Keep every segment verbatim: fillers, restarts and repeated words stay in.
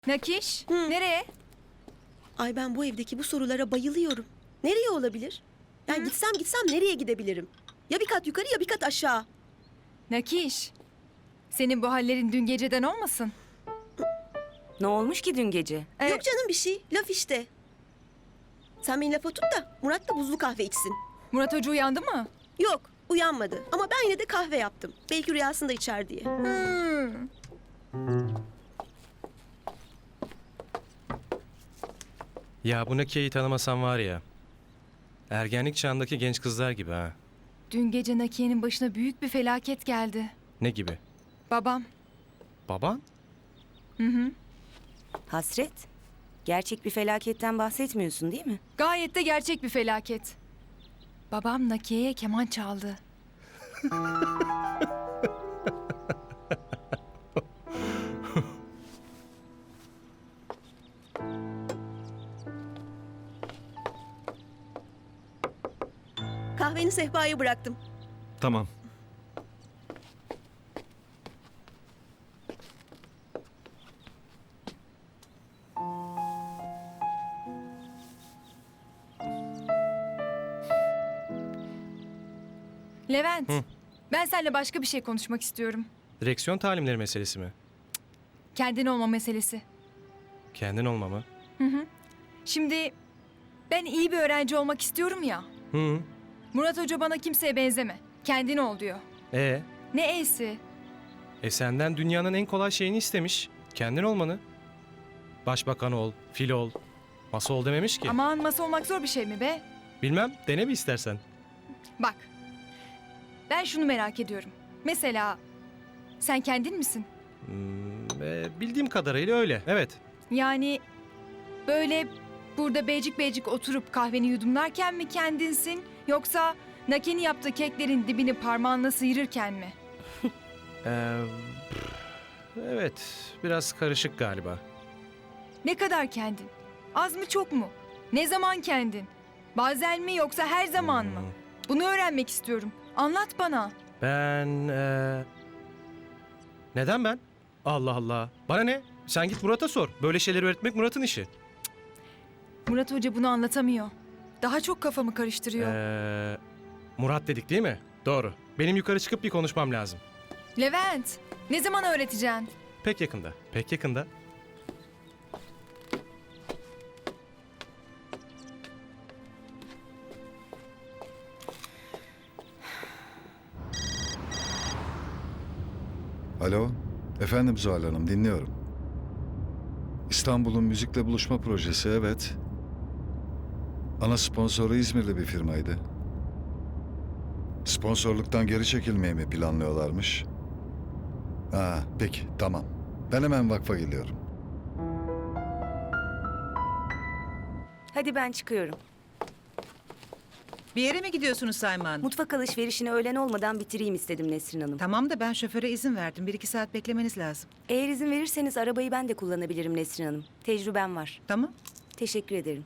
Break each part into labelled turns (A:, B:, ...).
A: Nakiş,
B: Hı.
A: nereye?
B: Ay ben bu evdeki bu sorulara bayılıyorum. Nereye olabilir? Yani gitsem gitsem nereye gidebilirim? Ya bir kat yukarı ya bir kat aşağı.
A: Nakiş, senin bu hallerin dün geceden olmasın?
C: Ne olmuş ki dün gece?
A: Ee,
B: Yok canım bir şey. Laf işte. Sen beni lafa tut da Murat da buzlu kahve içsin.
A: Murat Hoca uyandı mı?
B: Yok uyanmadı ama ben yine de kahve yaptım. Belki rüyasında içer diye.
A: Hmm.
D: Ya bu Nakiye'yi tanımasam var ya. Ergenlik çağındaki genç kızlar gibi ha.
A: Dün gece Nakiye'nin başına büyük bir felaket geldi.
D: Ne gibi?
A: Babam.
D: Baban?
A: Hı hı.
C: Hasret? Gerçek bir felaketten bahsetmiyorsun değil mi?
A: Gayet de gerçek bir felaket. Babam Nakiye'ye keman çaldı.
B: Kahveni sehpaya bıraktım.
E: Tamam.
A: Levent,
D: Hı.
A: ben seninle başka bir şey konuşmak istiyorum.
D: Direksiyon talimleri meselesi mi?
A: Kendin olma meselesi.
D: Kendin olma mı?
A: Şimdi ben iyi bir öğrenci olmak istiyorum ya.
D: Hı.
A: Murat Hoca bana kimseye benzeme. Kendin ol diyor.
D: E,
A: Ne e'si?
D: e senden dünyanın en kolay şeyini istemiş. Kendin olmanı. Başbakan ol, fil ol. Masa ol dememiş ki.
A: Aman masa olmak zor bir şey mi be?
D: Bilmem, dene bir istersen.
A: Bak. Ben şunu merak ediyorum. Mesela sen kendin misin?
D: Hmm, e, bildiğim kadarıyla öyle. Evet.
A: Yani böyle burada beycik beycik oturup kahveni yudumlarken mi kendinsin? Yoksa Naki'nin yaptığı keklerin dibini parmağınla sıyırırken mi?
D: Ee, evet, biraz karışık galiba.
A: Ne kadar kendin? Az mı çok mu? Ne zaman kendin? Bazen mi yoksa her zaman mı? Bunu öğrenmek istiyorum. Anlat bana.
D: Ben... eee, Neden ben? Allah Allah. Bana ne? Sen git Murat'a sor. Böyle şeyleri öğretmek Murat'ın işi.
A: Murat Hoca bunu anlatamıyor. Daha çok kafamı karıştırıyor.
D: Ee, Murat dedik değil mi? Doğru. Benim yukarı çıkıp bir konuşmam lazım.
A: Levent, ne zaman öğreteceksin?
D: Pek yakında. Pek yakında.
F: Alo, efendim Zuhal Hanım, dinliyorum. İstanbul'un müzikle buluşma projesi, evet. Ana sponsoru İzmirli bir firmaydı. Sponsorluktan geri çekilmeyi mi planlıyorlarmış? Ha, peki, tamam. Ben hemen vakfa geliyorum.
C: Hadi ben çıkıyorum.
G: Bir yere mi gidiyorsunuz Sayma Hanım?
C: Mutfak alışverişini öğlen olmadan bitireyim istedim Nesrin Hanım.
G: Tamam da ben şoföre izin verdim. Bir iki saat beklemeniz lazım.
C: Eğer izin verirseniz arabayı ben de kullanabilirim Nesrin Hanım. Tecrübem var.
G: Tamam.
C: Teşekkür ederim.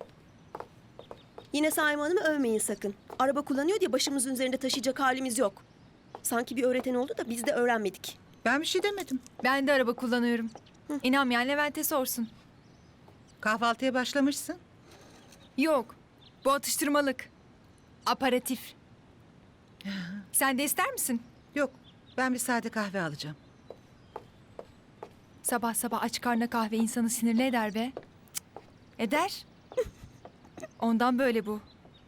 B: Yine Saime Hanım'ı övmeyin sakın. Araba kullanıyor diye başımızın üzerinde taşıyacak halimiz yok. Sanki bir öğreten oldu da biz de öğrenmedik.
G: Ben bir şey demedim.
A: Ben de araba kullanıyorum. İnanmayan Levent'e sorsun.
G: Kahvaltıya başlamışsın.
A: Yok, bu atıştırmalık. Aparatif. Sen de ister misin?
G: Yok. Ben bir sade kahve alacağım.
A: Sabah sabah aç karnına kahve insanı sinirli eder be. Cık, eder. Ondan böyle bu.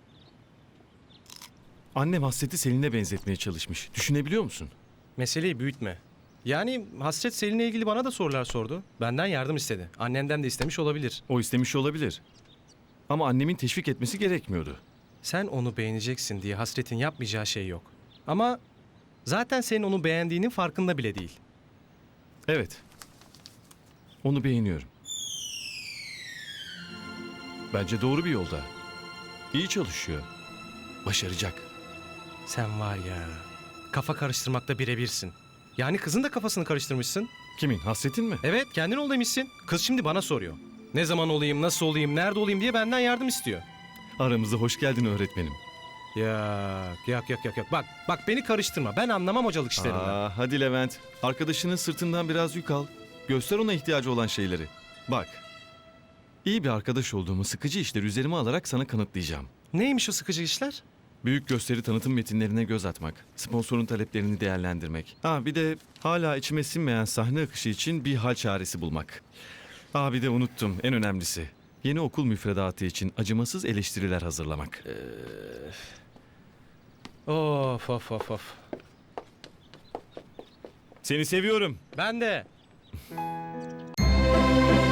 E: Annem Hasret'i Selin'e benzetmeye çalışmış. Düşünebiliyor musun?
D: Meseleyi büyütme. Yani Hasret Selin'le ilgili bana da sorular sordu. Benden yardım istedi. Annenden de istemiş olabilir.
E: O istemiş olabilir. Ama annemin teşvik etmesi gerekmiyordu.
D: Sen onu beğeneceksin diye Hasret'in yapmayacağı şey yok. Ama zaten senin onu beğendiğinin farkında bile değil.
E: Evet. Onu beğeniyorum. Bence doğru bir yolda. İyi çalışıyor. Başaracak.
D: Sen var ya, kafa karıştırmakta birebirsin. Yani kızın da kafasını karıştırmışsın.
E: Kimin? Hasret'in mi?
D: Evet, kendin ol demişsin. Kız şimdi bana soruyor. Ne zaman olayım, nasıl olayım, nerede olayım diye benden yardım istiyor.
E: Aramıza hoş geldin öğretmenim.
D: Yok, yok, yok, yok, yok. Bak, bak beni karıştırma. Ben anlamam hocalık işlerinden.
E: Aa, hadi Levent. Arkadaşının sırtından biraz yük al. Göster ona ihtiyacı olan şeyleri. Bak. İyi bir arkadaş olduğumu sıkıcı işleri üzerime alarak sana kanıtlayacağım.
D: Neymiş o sıkıcı işler?
E: Büyük gösteri tanıtım metinlerine göz atmak, sponsorun taleplerini değerlendirmek. Ha bir de hala içime sinmeyen sahne akışı için bir hal çaresi bulmak. Ha bir de unuttum en önemlisi. Yeni okul müfredatı için acımasız eleştiriler hazırlamak.
D: Of of of of.
E: Seni seviyorum.
D: Ben de.